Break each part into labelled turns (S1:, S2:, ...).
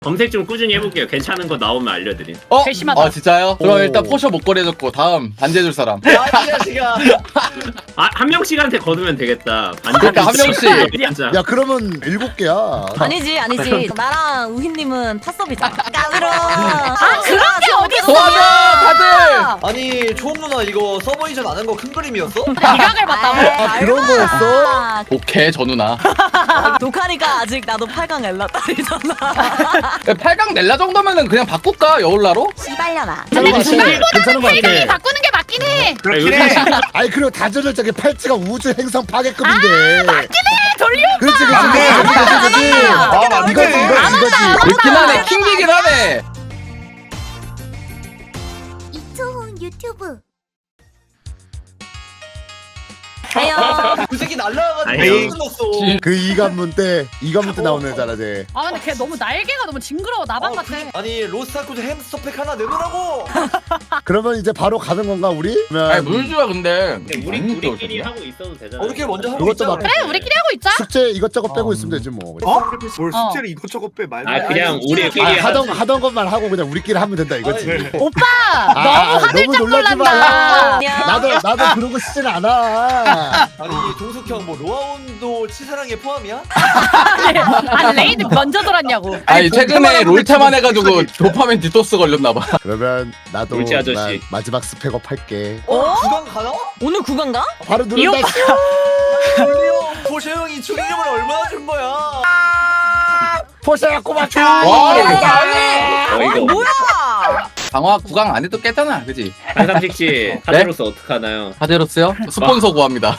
S1: 검색 좀 꾸준히 해볼게요. 괜찮은 거 나오면 알려드림.
S2: 세심하다.
S3: 아 진짜요? 그럼
S4: 오.
S3: 일단 포셔 목걸이 해줬고 다음 반지해줄 사람.
S5: 아이 자식아.
S1: 아, 한 명씩한테 거두면 되겠다.
S3: 그러니까 한 명씩.
S1: 진짜.
S4: 야 그러면 7개야.
S6: 아니지 나랑 우희님은 탑섭이잖아. 까불어.
S2: 그런 게 어딨어?
S3: 도와줘 다들.
S5: 아니 초음 누나 이거 서버 이전 안 한 거 큰 그림이었어?
S2: 기각을 봤다고?
S4: 아, 그런 거였어?
S3: 오케이 저 누나.
S6: 독하니까 아직 나도 8강 엘라 딸이잖아.
S3: 8강 넬라 정도면은 그냥 바꿀까 여울라로?
S6: 씨발려나.
S2: 근데
S4: 괜찮은 거
S2: 필경이
S4: 같아.
S2: 바꾸는 게 맞긴 해.
S1: 그렇긴
S4: 아니 그리고 다전을 저기 팔찌가 우주 행성 파괴급인데.
S2: 돌려.
S4: 그렇지 그렇지. 이거지.
S3: 그렇긴 하네. 킹기긴 하네.
S6: 이초훈 유튜브.
S5: 그 새끼 날라가가지고
S1: 아니요.
S5: 끝났어.
S4: 그 이관문 때 나오는 애잖아 쟤.
S2: 아 근데 걔 너무 날개가 너무 징그러워. 나방 같아.
S5: 아니 로스타쿠즈 햄스터팩 하나 내놓으라고.
S4: 그러면 이제 바로 가는 건가 우리?
S3: 아니 물주야 근데.
S1: 우리끼리 하고 있어도 되잖아.
S5: 우리끼리 먼저 하고
S4: 그것도
S5: 있잖아.
S4: 막-
S2: 그래 우리끼리 하고 있자.
S4: 숙제 이것저것 빼고 있으면 되지 뭐.
S7: 뭘 숙제를 이것저것 빼 말도
S1: 아 그냥
S5: 아니,
S1: 우리끼리
S4: 하던 것만 하고 그냥 우리끼리 하면 된다 이거지.
S2: 오빠
S4: 아,
S2: 너무 하늘짝
S4: 놀라지
S2: 놀란다.
S4: 나도 그러고 싶진 않아.
S5: 아니 동숙 형뭐 로아온도 치사랑에 포함이야?
S2: 아니 레이드 먼저 돌았냐고.
S3: 아니 최근에 롤테만 해가지고 도파민 디토스 걸렸나봐.
S4: 그러면 나도
S1: 울지 아저씨.
S4: 난 마지막 스펙업 할게.
S5: 구강 가나?
S6: 오늘 9강가?
S4: 바로
S2: 이 오빠.
S4: 누른다.
S5: 보셔 형이 축의금을 얼마나 준 거야?
S4: 포샤야 꼬마차.
S3: 와
S1: 어이가 없네.
S3: 강화 구강 안 해도 깼잖아, 그지?
S1: 한삼식 씨 카드로서 어떡하나요?
S3: 하데로스요? 스폰서 구합니다.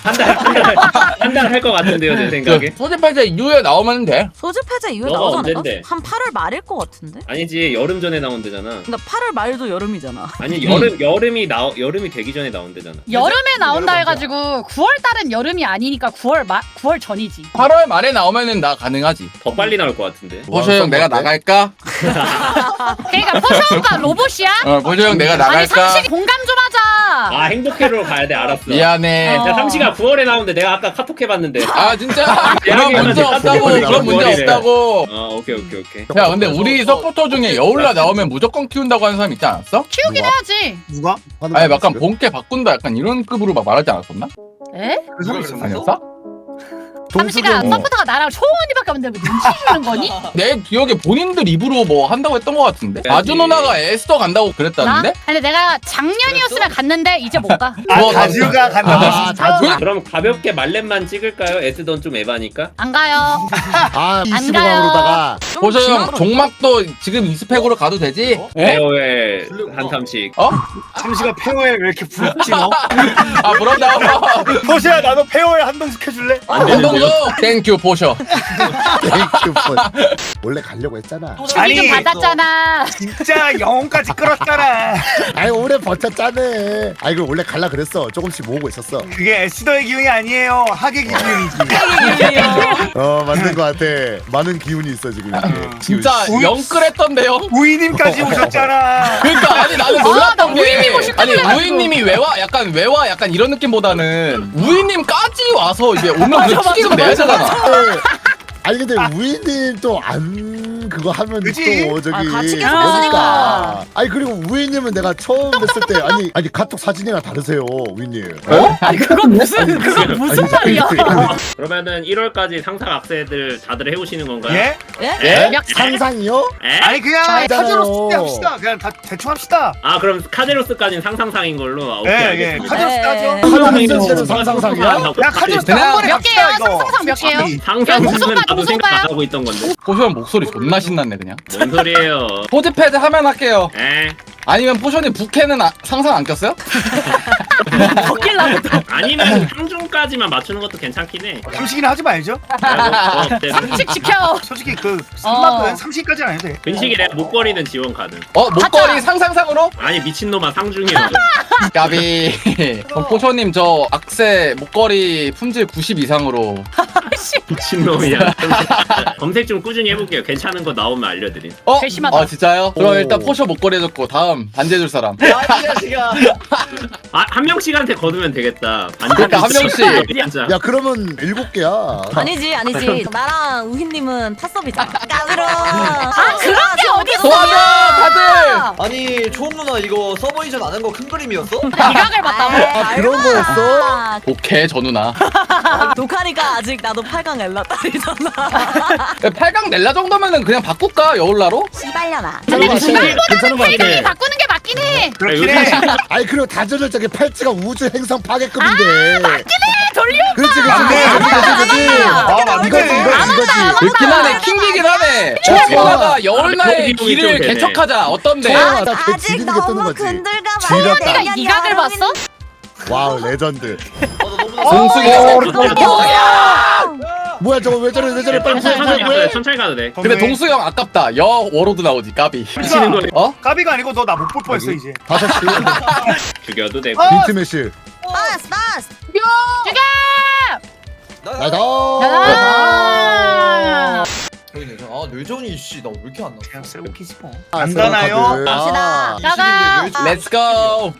S1: 한 달 할 것 같은데요, 제 생각에.
S3: 소집팔자 이후에 나오면 돼.
S6: 소집팔자 이후에
S1: 너가
S6: 나오지 않을까?
S1: 언젠데?
S6: 한 8월 말일 것 같은데?
S1: 아니지, 여름 전에 나온대잖아.
S6: 근데 8월 말도 여름이잖아.
S1: 아니 여름이 되기 전에 나온대잖아.
S2: 여름에 나온다 해가지고 9월 달은 여름이 아니니까 9월 전이지.
S3: 8월 말에 나오면은 나 가능하지.
S1: 더 빨리 나올 것 같은데.
S3: 보셔 형 내가 나갈까?
S2: 그러니까 포셔 오빠 로봇이야?
S3: 보셔 형 내가
S2: 아니
S3: 나갈까?
S2: 상식이 공감 좀 하자.
S1: 아 행복회로로 가야 돼. 알았어.
S3: 미안해.
S2: 어.
S1: 야, 삼시가 9월에 나오는데 내가 아까 카톡 해봤는데.
S3: 아 진짜? 그런
S1: 대학에
S3: 문제
S1: 가서
S3: 없다고.
S1: 카톡
S3: 그런 문제
S1: 머리래.
S3: 없다고.
S1: 오케이.
S3: 야 근데 우리 서포터 중에 여울라 나오면 무조건 키운다고 하는 사람 있지 않았어?
S2: 키우긴 해야지.
S7: 누가?
S3: 아니 약간 본캐 바꾼다 약간 이런 급으로 막 말하지 않았었나?
S2: 에?
S7: 그 사람 있었어?
S3: 아니었어?
S2: 삼시가
S4: 동숙이
S2: 서포터가 나랑 초원이밖에 없는데 왜 눈치 주는 거니?
S3: 내 기억에 본인들 입으로 뭐 한다고 했던 것 같은데?
S1: 그래야지.
S3: 아주 누나가 에스더 간다고
S2: 나?
S3: 그랬다는데?
S2: 근데 내가 작년이었으면 갔는데 이제 못 가.
S3: 뭐,
S7: 다지우가 간다고
S4: 아,
S7: 진짜?
S1: 그럼 가볍게 말렙만 찍을까요? 에스던 좀 에바니까.
S2: 안 가요.
S4: 아
S2: 안
S4: 25강으로다가
S3: 보셔 형 종막도 지금 2스펙으로 가도 되지? 에?
S1: 페어의 한삼식.
S7: 잠시가 페어에 왜 이렇게 부럽지 너?
S3: 아 부럽다.
S7: 포시야 나도 페어에 한동숙 해줄래?
S3: 운동도 땡큐 보셔.
S4: 땡큐. 원래 가려고 했잖아.
S2: 주기 좀
S7: 아니,
S2: 받았잖아.
S7: 진짜 영혼까지 끌었잖아.
S4: 아니 오래 버텼잖아. 아니 그럼 원래 갈라 그랬어. 조금씩 모으고 있었어.
S7: 그게 에스더의 기운이 아니에요. 하객의 기운이지.
S4: 맞는 거 같아. 많은 기운이 있어 지금.
S3: 진짜
S7: 우이-
S3: 영끌했던데요?
S7: 우이님까지 오셨잖아.
S3: 그러니까 아니 나는 놀랐던
S2: 나
S3: 게
S2: 우이님 오실
S3: 아니
S2: 줄 알았어.
S3: 우이님이 외와 약간 이런 느낌보다는 우이님까지 와서 이제 오면 그 축의금 내야 되잖아.
S4: 아니 근데 우이님 또 안 그거 하면
S7: 그치?
S4: 또 저기
S6: 아, 같이 계속
S4: 그러니까.
S6: 했으니까.
S4: 아니 그리고 우이님은 내가 처음 뵀을 때 아니 카톡 사진이랑 다르세요 우이님.
S2: 아니 그건 무슨 말이야?
S1: 그러면은 1월까지 상상 악세들 다들 해오시는 건가요?
S7: 예?
S1: 에?
S4: 상상이요?
S1: 에?
S7: 아니 그냥
S4: 알잖아요.
S7: 카드로 숙제 합시다. 그냥 다 대충 합시다.
S1: 아 그럼 카제로스까지는 상상상인 걸로. 오케이
S7: 예, 예.
S1: 알겠습니다.
S7: 카드로 숙제 하죠.
S4: 카드로 상상상이야?
S7: 야 카드로 숙제
S3: 그냥
S7: 한 번에
S2: 몇
S7: 갑시다
S2: 개요?
S7: 이거.
S2: 상상상 몇 개요?
S1: 상상은
S2: 동석봐,
S1: 나도
S2: 동석봐요?
S1: 생각 안 하고 있던 건데.
S3: 보셔 형 목소리 존나 신났네 그냥.
S1: 뭔 소리예요?
S3: 포즈패드 하면 할게요.
S1: 에?
S3: 아니면 포션이 부캐는 상상 안 꼈어요?
S2: 벗길라고 또.
S1: 아니면 상중까지만 맞추는 것도 괜찮긴 해.
S7: 삼식이나 하지 말죠.
S2: 상식 지켜.
S7: 솔직히 그 3만은 삼식까지는 안 해도 돼.
S1: 근식이래. 목걸이는 지원 가능.
S3: 목걸이
S2: 가자.
S3: 상상상으로?
S1: 아니 미친놈아 상중이야.
S3: 까비. 그럼 포션님 저 악세 목걸이 품질 90 이상으로.
S1: 미친놈이야. 검색 좀 꾸준히 해볼게요. 괜찮은 거 나오면 알려드림.
S2: 괘씸하다.
S3: 진짜요? 그럼
S4: 오.
S3: 일단 포션 목걸이 해줬고 다음 반지해줄 사람.
S5: 아이 자식아.
S1: 한 명씩한테 거두면 되겠다.
S3: 그러니까 한 명씩.
S1: 반장.
S4: 야 그러면 7개야.
S6: 아니지 아니지. 나랑 우희님은 탑섭이자. 까불어.
S2: 그런 게 어딨어?
S3: 도와줘 다들.
S5: 아니 초음 누나 이거 서버 이전 안 한 거 큰 그림이었어?
S2: 기각을 봤다고?
S4: 그런 거였어?
S3: 오케이 저 누나.
S6: 독하니까 아직 나도 8강 엘라딸이잖아.
S3: 8강 넬라 정도면은 그냥 바꿀까 여울라로?
S6: 씨발려나.
S2: 근데
S4: 맞아. 괜찮은 거
S2: 이름이
S4: 같아.
S2: 바꾸는 게 맞긴 해.
S7: 그렇긴 해.
S4: 아니 그리고 다저절적인 팔찌가 우주 행성 파괴급인데.
S2: 돌려.
S4: 그렇지
S7: 맞네. 아 맞네.
S4: 이거지.
S3: 그렇긴 하네 킹기긴 하네. 초보다가 여울나의
S1: 거기
S3: 길을
S1: 좀 되네.
S3: 개척하자 어떤데?
S4: 나 그거
S6: 아직
S4: 지리는 게 뜨는
S6: 너무
S4: 거지.
S6: 근들감.
S4: 지렸다.
S2: 내가 이각을 봤어?
S4: 와우 레전드.
S3: 동숙이
S4: 뭐야 저거 왜 저래 빨리
S1: 천천히 가도 돼.
S4: 구해.
S1: 천천히 가도 돼.
S3: 근데 동숙이 형 아깝다. 여 워로드 나오지 까비.
S1: 미치는 거네.
S3: 어?
S7: 까비가 아니고 너 나 못 볼 뻔했어 이제.
S4: 5시
S1: 죽여도 되고.
S4: 빈트 매실.
S6: 빠스 빠스.
S4: 나다.
S2: 야.
S5: 아 뇌전이 씨나 왜 이렇게 안 나왔어?
S7: 그냥 쓰고 키지 뭐.
S4: 아,
S7: 간단해요.
S6: 갑시다.
S2: 나가.
S3: 렛츠 고.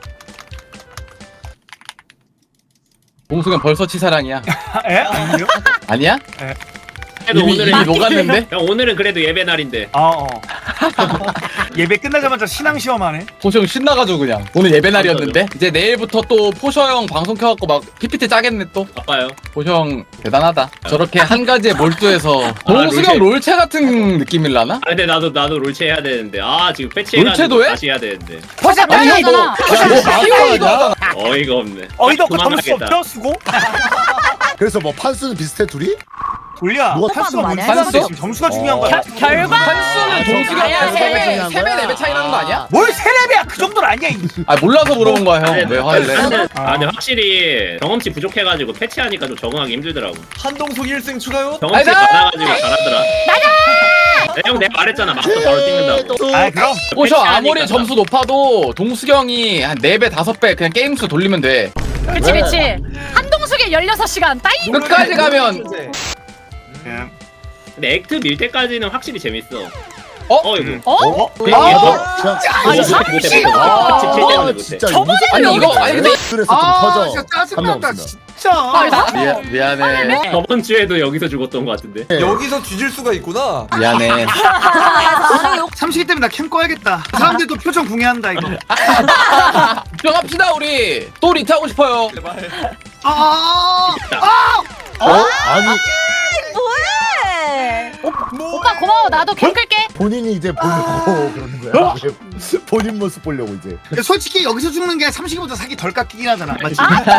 S3: 동숙이 형 벌써 치사랑이야.
S7: 에? 아니요?
S3: 아니야?
S1: 그래도
S3: 이미
S1: 오늘은
S3: 녹았는데?
S1: 형 오늘은 그래도 예배 날인데.
S7: 어. 예배 끝나자마자 신앙 시험하네.
S3: 포셔 형 신나가지고 그냥 오늘 예배 날이었는데 이제 내일부터 또 포셔 형 방송 켜갖고 막 PPT 짜겠네 또.
S1: 아빠요.
S3: 포셔 형 대단하다. 저렇게 한 가지에 몰두해서 동숙이 형 롤체 같은 느낌일라나?
S1: 아 근데 나도 롤체 해야 되는데 아 지금 패치해가지고
S3: 롤체도 해?
S1: 다시 해야 되는데
S2: 벌써
S3: 아니 형 뭐
S2: 잖아.
S3: 히어이도 하잖아.
S1: 어이가 없네.
S7: 어이도 없고 점수
S1: 그만하겠다.
S7: 없죠 수고?
S4: 그래서 뭐 판수는 비슷해 둘이?
S7: 돌려.
S4: 누가
S7: 판수가
S6: 많이
S7: 뭔지
S3: 했어?
S7: 지금 점수가 중요한 거야.
S2: 결과.
S3: 한수는 동숙이
S2: 아니야,
S3: 형이랑
S2: 세배,
S3: 3배 4배 차이 나는 거 아니야?
S7: 뭘 세레비야 그 정도는 아니야.
S3: 아 몰라서 물어본 거야 형. 왜 화를 내?
S1: 근데 확실히 경험치 부족해가지고 패치하니까 좀 적응하기 힘들더라고.
S5: 한동숙 1승 추가요?
S1: 경험치
S3: 아이다!
S1: 많아가지고 잘하더라. 형 내가 말했잖아. 마스터 바로 찍는다고.
S7: 아 그럼.
S3: 포셔 아무리
S1: 패치하니까.
S3: 점수 높아도 동숙이 형이 한 4배 5배 그냥 게임 수 돌리면 돼.
S2: 그치 그치. 한동숙의 16시간 따이.
S3: 끝까지 가면
S7: 예.
S1: 근데 액트 밀 때까지는 확실히 재밌어.
S3: 어?
S1: 이거.
S2: 어?
S1: 그냥 얘도
S2: 아니,
S1: 못해. 17 때문에 못해.
S4: 진짜
S3: 아니 이거 아니 근데
S4: 그래서 좀 터져.
S7: 진짜
S4: 한 명
S7: 짜증난다
S4: 없으면.
S7: 진짜.
S3: 미안해.
S1: 저번 주에도 여기서 죽었던 것 같은데.
S5: 여기서 뒤질 수가 있구나.
S3: 미안해.
S7: 30기 때문에 나 캠 꺼야겠다. 사람들도 표정 궁예한다 이거.
S3: 집중합시다 우리. 또 리트 하고 싶어요.
S7: 아.
S4: 아니
S6: 뭐해?
S2: 오빠 고마워. 나도 캠 끌게.
S4: 본인이 이제 보고 그러는 거야. 본인 모습 보려고 이제.
S7: 솔직히 여기서 죽는 게 30기보다 사기 덜 깎이긴 하잖아. 맞지?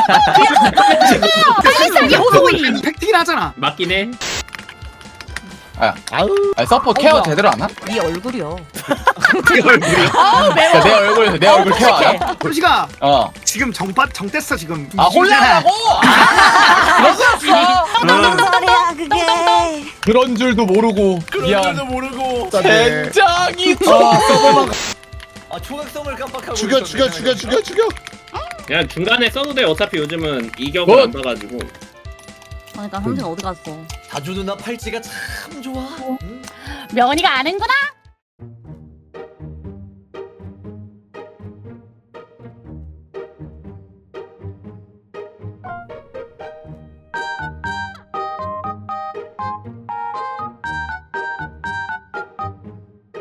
S2: 사기사기 호소이.
S7: 팩트긴 하잖아.
S1: 맞긴 해.
S4: 아우
S3: 아니 서포 케어 제대로 안 하?
S6: 네 얼굴이요.
S2: 아우 매워.
S3: 그러니까 내 얼굴 케어 안 하?
S7: 솔직아
S3: 어.
S7: 지금 정됐어 지금.
S3: 아 혼란하고?
S6: 무슨 소리야 그게?
S3: 그런 줄도 모르고 미안.
S5: 모르고.
S4: 짠네.
S3: 굉장히
S5: 아 초각성을 깜빡하고.
S4: 죽여
S5: 있었네,
S4: 죽여 죽여 죽여 죽여.
S1: 그냥 중간에 써도 돼. 어차피 요즘은 이격을
S3: 뭐?
S1: 안 봐가지고.
S6: 그러니까 현진 어디 갔어?
S5: 다주 누나 팔찌가 참 좋아.
S2: 명언이가 아는구나.